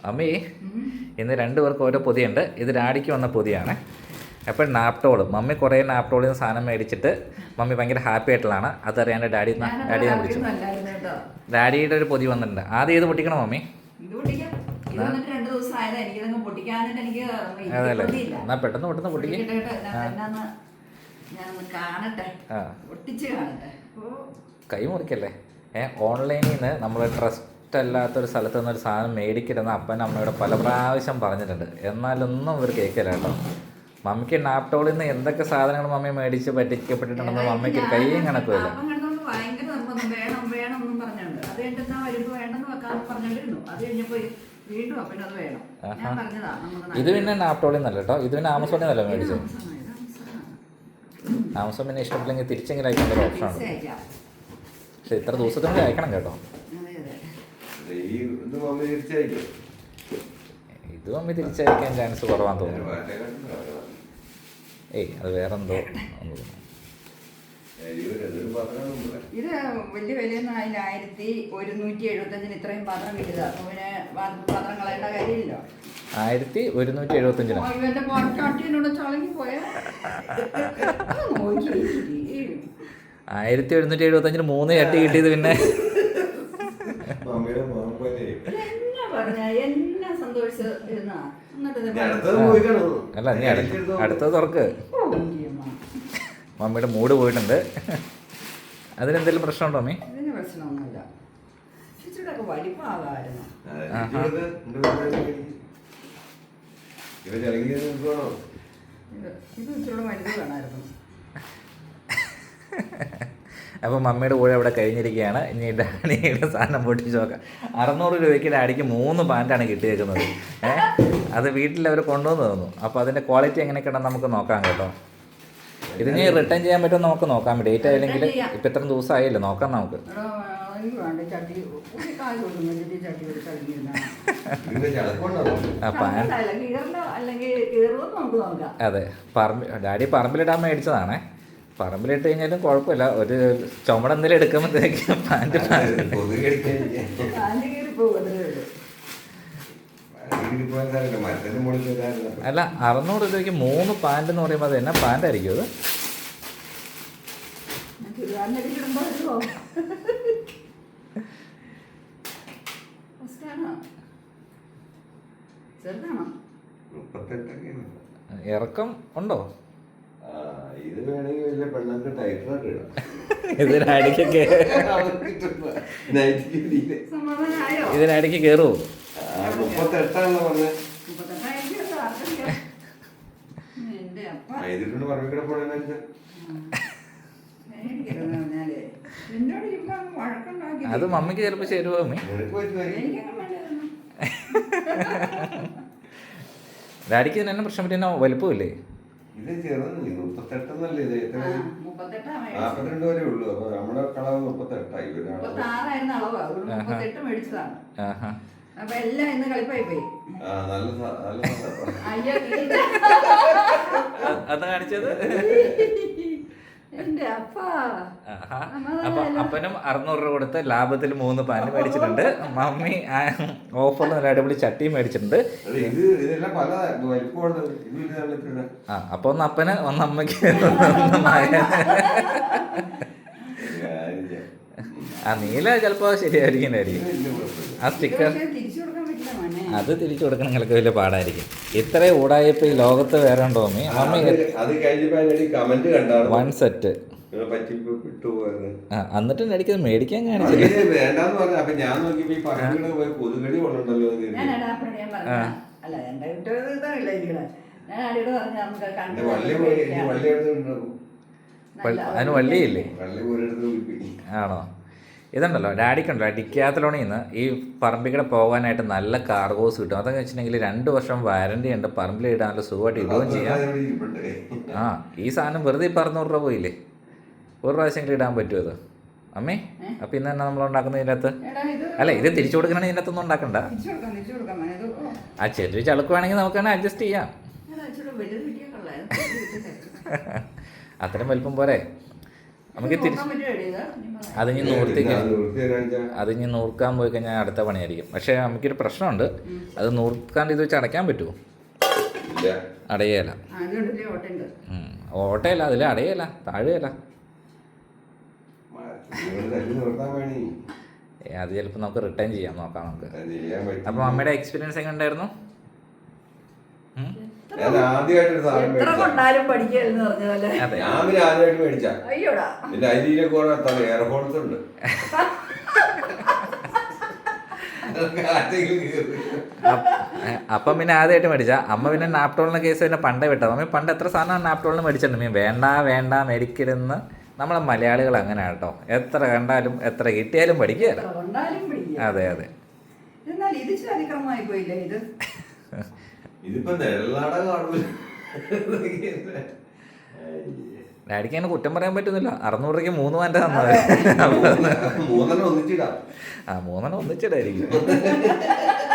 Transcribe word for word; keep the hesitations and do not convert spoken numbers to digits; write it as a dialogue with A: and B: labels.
A: അമ്മി ഇന്ന് രണ്ടു പേർക്ക് ഓരോ പൊതിയുണ്ട്. ഇത് ഡാഡിക്ക് വന്ന പൊതിയാണ്. അപ്പോൾ നാപ്റ്റോൾ മമ്മി കുറേ നാപ്റ്റോളിൽ നിന്ന് സാധനം മേടിച്ചിട്ട് മമ്മി ഭയങ്കര ഹാപ്പി ആയിട്ടുള്ളതാണ്. അതറിയാണ്ട് ഡാഡി ഡാഡിയെ വിളിച്ചു. ഡാഡിയുടെ ഒരു പൊതി വന്നിട്ടുണ്ട്. ആദ്യം ഏത് പൊട്ടിക്കണം മമ്മി? അതല്ലേ, എന്നാ പെട്ടെന്ന് പെട്ടെന്ന് പൊട്ടിക്കേ. കൈ മുറിക്കല്ലേ. ഏ ഓൺലൈനിൽ നിന്ന് നമ്മൾ ട്രസ്റ്റ് അല്ലാത്തൊരു സ്ഥലത്ത് നിന്നൊരു സാധനം മേടിക്കരുതെന്ന് അപ്പൻ അമ്മയോട് പല പ്രാവശ്യം പറഞ്ഞിട്ടുണ്ട്. എന്നാലൊന്നും ഇവർ കേൾക്കില്ല കേട്ടോ. മമ്മിക്ക് നാപ്റ്റോളിൽ നിന്ന് എന്തൊക്കെ സാധനങ്ങൾ മമ്മി മേടിച്ച് പറ്റിക്കപ്പെട്ടിട്ടുണ്ടെന്ന് മമ്മിക്ക് കൈയും കണക്കുമില്ല. ഇത് പിന്നെ നാപ്റ്റോളിൽ നിന്നല്ല കേട്ടോ, ഇത് പിന്നെ ആമസോണിൽ നിന്നല്ല മേടിച്ചത്. ആമസോൺ പിന്നെ ഇഷ്ടപ്പെട്ടില്ലെങ്കിൽ തിരിച്ചെങ്കിലും അയക്കേണ്ട ഒരു ഓപ്ഷനാണ്. പക്ഷെ ഇത്ര ദിവസത്തിനുള്ളിൽ അയക്കണം കേട്ടോ. ഇത് മമ്മി തിരിച്ചയക്കാൻ ചാൻസ് കുറവാന്ന് തോന്നുന്നു. ഏയ് അത് വേറെന്തോ
B: ഇത് വലിയ വിലയൊന്നും അതിൽ ആയിരത്തി ഒരുന്നൂറ്റി എഴുപത്തഞ്ചിന് ഇത്രയും പാത്രം കിട്ടിയത്. അപ്പൊ പിന്നെ പാത്രം കളയേണ്ട കാര്യമില്ല.
A: ആയിരത്തി ഒരുന്നൂറ്റി എഴുപത്തഞ്ചിന്
B: ഇവന്റെ പാട്ടാട്ടിനോട് ചളങ്ങി പോയാ
A: ആയിരത്തി ഒരുന്നൂറ്റി എഴുപത്തി അഞ്ചിന് മൂന്ന് ചട്ടി കിട്ടിയത്. പിന്നെ അല്ല നീ അടുത്തത് തുറക്ക്. മമ്മിയുടെ മൂഡ് പോയിട്ടുണ്ട്. അതിനെന്തെങ്കിലും പ്രശ്നമുണ്ടോ മമ്മി?
B: ഇതിന് പ്രശ്നമൊന്നുമില്ല. വലിപ്പമാകാമായിരുന്നു. ഇത് ഇച്ചിരി വലുത് വേണമായിരുന്നു.
A: അപ്പോൾ മമ്മിയുടെ കൂടെ അവിടെ കഴിഞ്ഞിരിക്കുകയാണ്. ഇനി ഡാഡിയുടെ സാധനം പൊട്ടിച്ച് നോക്കാം. അറുന്നൂറ് രൂപയ്ക്ക് ഡാഡിക്ക് മൂന്ന് പാൻറ്റാണ് കിട്ടിയേക്കുന്നത്. ഏഹ് അത് വീട്ടിലവർ കൊണ്ടുവന്ന് തന്നു. അപ്പോൾ അതിൻ്റെ ക്വാളിറ്റി എങ്ങനെയൊക്കെയാണെന്ന് നമുക്ക് നോക്കാം കേട്ടോ. ഇതിന് റിട്ടേൺ ചെയ്യാൻ പറ്റുമോ നമുക്ക് നോക്കാം. ഡേറ്റ് ആയില്ലെങ്കിൽ ഇപ്പം ഇത്ര ദിവസം ആയില്ലേ, നോക്കാം നമുക്ക്. അതെ, പറമ്പ് ഡാഡി പറമ്പിലിടാൻ മേടിച്ചതാണേ. പറമ്പിലിട്ട് കഴിഞ്ഞാലും കുഴപ്പമില്ല. ഒരു ചുമട് എന്തെങ്കിലും എടുക്കുമ്പോഴത്തേക്കും പാൻറ്റ് അല്ല, അറുന്നൂറ് രൂപയ്ക്ക് മൂന്ന് പാൻറ്റ് എന്ന് പറയുമ്പോൾ അത് എന്നാ പാൻറ്റായിരിക്കും അത്? ഇറക്കം ഉണ്ടോ?
C: ഇത് വേണമെങ്കിൽ വലിയ പെണ്ണൊക്കെ ടൈറ്ററൊക്കെ ഇടാം.
A: ഇതിനടിക്ക് ഇതിനടിക്ക് കയറുമോ?
C: മുപ്പത്തെട്ടാണെന്ന് പറഞ്ഞത്. ഇതിട്ടുണ്ട് പറമ്പിക്കട പോണെന്ന്
A: അത് മമ്മിക്ക് ചിലപ്പോൾ ചേരുവോ മമ്മി? ഡാഡിക്ക് ഇതിന് പ്രശ്നം പറ്റിയ വലുപ്പമില്ലേ?
C: ഇത് ചെറുതല്ലേ, മുപ്പത്തെട്ടെന്നല്ലേ ഇത്? എത്ര നാപ്പത്തിരണ്ട് വരെ ഉള്ളൂ. അപ്പൊ നമ്മുടെ കളവ് മുപ്പത്തെട്ടായി.
B: അപ്പൊ എല്ലാം ഇന്ന് കളിപ്പായി പോയി.
A: അത് കാണിച്ചത് അപ്പൊ അപ്പനും അറുന്നൂറ് രൂപ കൊടുത്ത് ലാഭത്തിൽ മൂന്ന് പാൻറ് മേടിച്ചിട്ടുണ്ട്. മമ്മി ഓഫറിൽ നല്ല അടിപൊളി ചട്ടിയും മേടിച്ചിട്ടുണ്ട്. ആ അപ്പൊ ഒന്ന് അപ്പന് ഒന്ന് അമ്മയ്ക്ക് ആ നീല ചിലപ്പോ ശരിയായിരിക്കും. ആ സ്റ്റിക്കർ അത് തിരിച്ചു കൊടുക്കണമെങ്കിലൊക്കെ വലിയ പാടായിരിക്കും. ഇത്രയും ഊടായപ്പോ ഈ ലോകത്ത് വേറെ ഉണ്ടോ മമ്മി? മമ്മി വൺ സെറ്റ് ആ എന്നിട്ട് എനിക്കത് മേടിക്കാൻ കാണിച്ചില്ല. അതിന് വള്ളിയില്ലേ? ആണോ? ഇതുണ്ടല്ലോ ഡാഡിക്കുണ്ടല്ലോ ഡിക്കാത്തലോണിൽ നിന്ന് ഈ പറമ്പിക്കട പോകാനായിട്ട് നല്ല കാർഗോസ് കിട്ടും. അതൊക്കെ വെച്ചിട്ടുണ്ടെങ്കിൽ രണ്ട് വർഷം വാരണ്ടി ഉണ്ട്. പറമ്പിൽ ഇടാൻ നല്ല സുഖമായിട്ട് ഇടുകയും ചെയ്യാം. ആ ഈ സാധനം വെറുതെ ഇപ്പം അറുന്നൂറ് രൂപ പോയില്ലേ? ഒരു പ്രാവശ്യമെങ്കിലും ഇടാൻ പറ്റുമോ അത് അമ്മേ? അപ്പം ഇന്ന് തന്നെ നമ്മൾ ഉണ്ടാക്കുന്ന ഇതിനകത്ത് അല്ല ഇത് തിരിച്ചു കൊടുക്കണമെങ്കിൽ ഇതിനകത്തൊന്നും ഉണ്ടാക്കണ്ട. ആ ചെറിയ ചളുക്കുവാണെങ്കിൽ നമുക്ക് തന്നെ അഡ്ജസ്റ്റ് ചെയ്യാം. അത്രയും വലിപ്പം പോരെ? നമുക്ക് തിരിച്ച്
B: നോക്കാൻ പറ്റുമോ ഇത്? ഇനി പറയാം.
A: അത് ഇനി നൂർത്തി
C: പിന്നെ അത് നിർത്തി തരാന്ന്
A: അത് ഇനി നൂർക്കാൻ പോയി കഴിഞ്ഞാൽ അടുത്ത പണിയായിരിക്കും. പക്ഷേ നമുക്കൊരു പ്രശ്നമുണ്ട്, അത് നൂർക്കാണ്ട് ഇത് വെച്ച് അടയ്ക്കാൻ പറ്റുമോ?
C: ഇല്ല.
A: അടയേല.
B: ആ, അതുകൊണ്ടല്ലേ ഓട്ടയുണ്ട്.
A: ഓട്ടയല്ല, അതിൽ അടയല, താഴെയല്ല.
C: നിങ്ങൾ തല്ലി നിർത്താൻ വേണി
A: ഏ, അത് ചിലപ്പോൾ നമുക്ക് റിട്ടേൺ ചെയ്യാം, നോക്കാം നമുക്ക്.
C: അത് ചെയ്യാൻ പറ്റും.
A: അപ്പോൾ അമ്മയുടെ എക്സ്പീരിയൻസ് എങ്ങനെ ഉണ്ടായിരുന്നു? ഉം?
C: ഞാൻ ആദ്യമായിട്ടൊരു സാധനം
B: എത്ര
C: മേടിച്ച
B: കൊണ്ടാലും പഠിക്കലെന്ന് പറഞ്ഞ
A: അതെ.
C: ഞാൻ പിന്നെ ആദ്യമായിട്ട് മേടിച്ച
B: അയ്യോടാ.
C: എന്റെ അരിയിലെ കുറെ എത്ര എയർ ഹോൾസ് ഉണ്ട്.
A: അപ്പ- ഏ, അപ്പം പിന്നെ ആദ്യമായിട്ട് മേടിച്ച അമ്മ പിന്നെ നാപ്റ്റോളിൻ്റെ കേസ് പിന്നെ പണ്ടേ വിട്ടത്. അമ്മ പണ്ട് എത്ര സാധനം നാപ്റ്റോളിന് മേടിച്ചിട്ടുണ്ട്. മീൻ വേണ്ട വേണ്ട മേടിക്കരുതെന്ന് നമ്മളെ മലയാളികൾ അങ്ങനെയാണ് കേട്ടോ. എത്ര കണ്ടാലും എത്ര കിട്ടിയാലും പഠിക്കുകയല്ല.
B: എത്ര കൊണ്ടാലും പഠിക്കുക.
A: അതെ അതെ.
B: എന്നാൽ ഇത് ഇച്ചിരി അതിക്രമമായി പോയില്ലേ ഇത്?
C: ഇതിപ്പോ നെല്ലാട കാണൂല.
A: ഡാഡിക്ക് അങ്ങനെ കുറ്റം പറയാൻ പറ്റുന്നില്ല. അറുന്നൂറ് രൂപയ്ക്ക് മൂന്ന് വാൻ്റെ തന്നത്.
C: മൂന്നെണ്ണം ഒന്നിച്ചിടാം.
A: ആ മൂന്നെണ്ണം ഒന്നിച്ചിടായിരിക്കും.